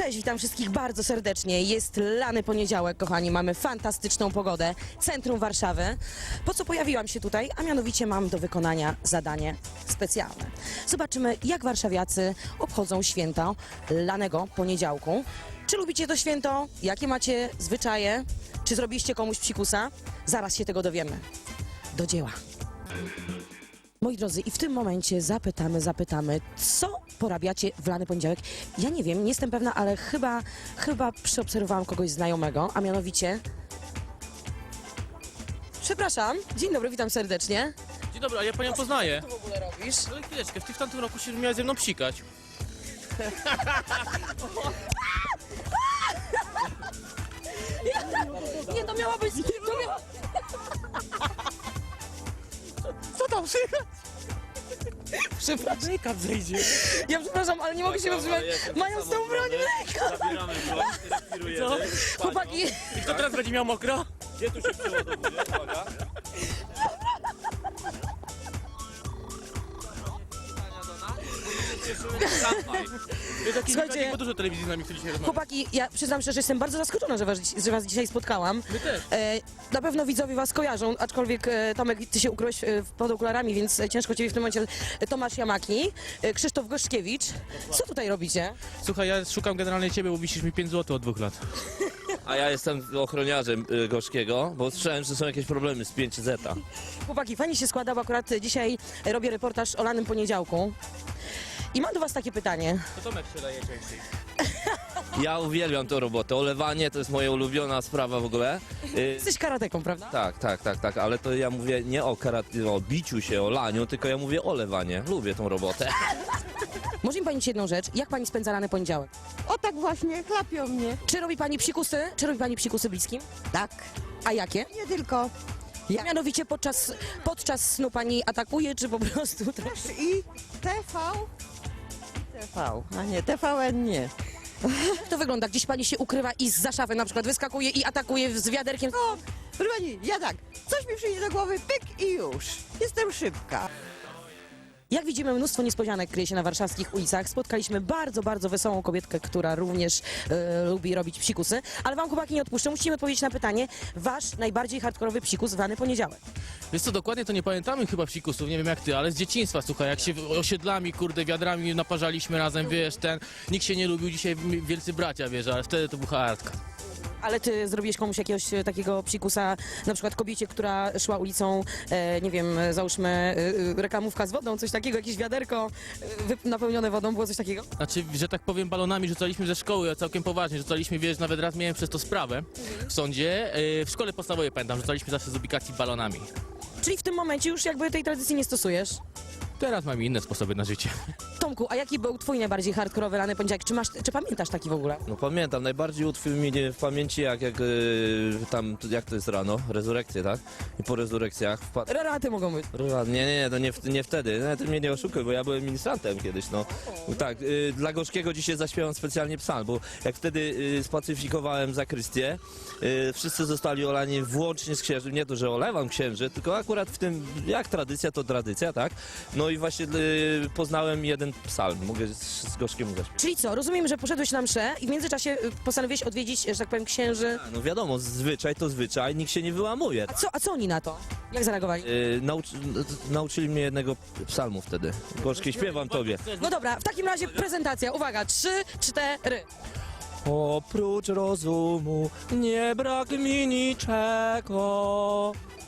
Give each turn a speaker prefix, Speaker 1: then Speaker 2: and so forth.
Speaker 1: Cześć, witam wszystkich bardzo serdecznie. Jest lany poniedziałek, kochani, mamy fantastyczną pogodę, centrum Warszawy. Po co pojawiłam się tutaj? A mianowicie mam do wykonania zadanie specjalne. Zobaczymy, jak warszawiacy obchodzą święto lanego poniedziałku. Czy lubicie to święto? Jakie macie zwyczaje? Czy zrobiliście komuś psikusa? Zaraz się tego dowiemy. Do dzieła. Moi drodzy, i w tym momencie zapytamy, co porabiacie w lany poniedziałek? Ja nie wiem, nie jestem pewna, ale chyba przeobserwowałam kogoś znajomego, a mianowicie... Przepraszam, dzień dobry, witam serdecznie.
Speaker 2: Dzień dobry, a ja panią poznaję.
Speaker 1: Co ty w ogóle robisz?
Speaker 2: Ale chwileczkę, ty w tamtym roku się miałeś ze mną psikać.
Speaker 1: Nie, to miała być...
Speaker 2: Co tam słychać?
Speaker 1: Przepraszam,
Speaker 2: Make-up zejdzie.
Speaker 1: ja przepraszam, ale nie mogę się powstrzymać. Mają z tą broń w rękach.
Speaker 3: Zabieramy broń, respirujemy.
Speaker 2: Co?
Speaker 1: Chłopaki,
Speaker 2: I kto teraz będzie miał mokro?
Speaker 3: Gdzie tu się przeładowuje? Uwaga.
Speaker 2: Jest jakiś
Speaker 1: Słuchajcie-
Speaker 2: wypadek, bo dużo telewizji z nami chce dzisiaj rozmawiać.
Speaker 1: chłopaki, ja przyznam szczerze, że jestem bardzo zaskoczona, że was dzisiaj spotkałam.
Speaker 2: My też.
Speaker 1: Na pewno widzowie was kojarzą, aczkolwiek Tomek, ty się ukryłeś pod okularami, więc ciężko ciebie w tym momencie. Tomasz Jamaki, Krzysztof Goszkiewicz. Co tutaj robicie?
Speaker 2: Słuchaj, ja szukam generalnie ciebie, bo wisisz mi 5 zł od 2 lat.
Speaker 3: A ja jestem ochroniarzem Gorzkiego, bo słyszałem, że są jakieś problemy z 5Z.
Speaker 1: Chłopaki, fajnie się składa, bo akurat dzisiaj robię reportaż o lanym poniedziałku. I mam do was takie pytanie.
Speaker 2: To Tomek się daje częściej.
Speaker 3: Ja uwielbiam tę robotę. Olewanie to jest moja ulubiona sprawa w ogóle.
Speaker 1: Jesteś karateką, prawda?
Speaker 3: Tak, ale to ja mówię nie o biciu się, o laniu, tylko ja mówię o lewanie. Lubię tą robotę.
Speaker 1: Może mi pani ci jedną rzecz, jak pani spędza lany poniedziałek?
Speaker 4: O tak właśnie, chlapią mnie.
Speaker 1: Czy robi pani psikusy? Czy robi pani psikusy bliskim?
Speaker 4: Tak.
Speaker 1: A jakie?
Speaker 4: Nie tylko.
Speaker 1: Ja mianowicie podczas snu pani atakuje, czy po prostu...
Speaker 4: I TV. A nie, TVN nie.
Speaker 1: Jak to wygląda? Gdzieś pani się ukrywa i zza szafy na przykład wyskakuje i atakuje z wiaderkiem?
Speaker 4: O, proszę pani, ja tak, coś mi przyjdzie do głowy, pyk i już. Jestem szybka.
Speaker 1: Jak widzimy, mnóstwo niespodzianek kryje się na warszawskich ulicach. Spotkaliśmy bardzo wesołą kobietkę, która również lubi robić psikusy. Ale wam, chłopaki, nie odpuszczę. Musicie odpowiedzieć na pytanie. Wasz najbardziej hardkorowy psikus w lany poniedziałek.
Speaker 2: Wiesz co, dokładnie to nie pamiętamy chyba psikusów, nie wiem jak ty, ale z dzieciństwa, słuchaj, jak się osiedlami, kurde, wiadrami naparzaliśmy razem, wiesz, nikt się nie lubił, dzisiaj wielcy bracia, wiesz, ale wtedy to był hardka.
Speaker 1: Ale ty zrobiłeś komuś jakiegoś takiego psikusa, na przykład kobiecie, która szła ulicą, nie wiem, załóżmy reklamówka z wodą, coś takiego, jakieś wiaderko napełnione wodą, było coś takiego?
Speaker 2: Znaczy, że tak powiem, balonami rzucaliśmy ze szkoły, a całkiem poważnie, rzucaliśmy, wiesz, nawet raz miałem przez to sprawę w sądzie, w szkole podstawowej pamiętam, rzucaliśmy zawsze z ubikacji balonami.
Speaker 1: Czyli w tym momencie już jakby tej tradycji nie stosujesz?
Speaker 2: Teraz mamy inne sposoby na życie.
Speaker 1: Tomku, a jaki był twój najbardziej hardkorowy lany poniedziałek? Czy pamiętasz taki w ogóle?
Speaker 3: No pamiętam, najbardziej utkwił mi w pamięci jak jak to jest rano, rezurekcje, tak? I po rezurekcjach wpadł...
Speaker 1: Reraty mogą być.
Speaker 3: Nie, to nie wtedy. No, ty mnie nie oszukuj, bo ja byłem ministrantem kiedyś, no. Tak, dla Gorzkiego dzisiaj zaśpiewam specjalnie psalm, bo jak wtedy spacyfikowałem zakrystię, wszyscy zostali olani włącznie z księży. Nie to, że olewam księży, tylko akurat w tym, jak tradycja, to tradycja, tak? No i właśnie poznałem jeden psalm, mogę z Gorzkiem zaśpiewać.
Speaker 1: Czyli co, rozumiem, że poszedłeś na mszę i w międzyczasie postanowiłeś odwiedzić, że tak powiem, księży.
Speaker 3: No wiadomo, zwyczaj to zwyczaj, nikt się nie wyłamuje.
Speaker 1: A co oni na to? Jak zareagowali?
Speaker 3: Nauczyli mnie jednego psalmu wtedy. Gorzkie, śpiewam tobie.
Speaker 1: No dobra, w takim razie prezentacja. Uwaga, 3, 4.
Speaker 3: Oprócz rozumu nie brak mi niczego.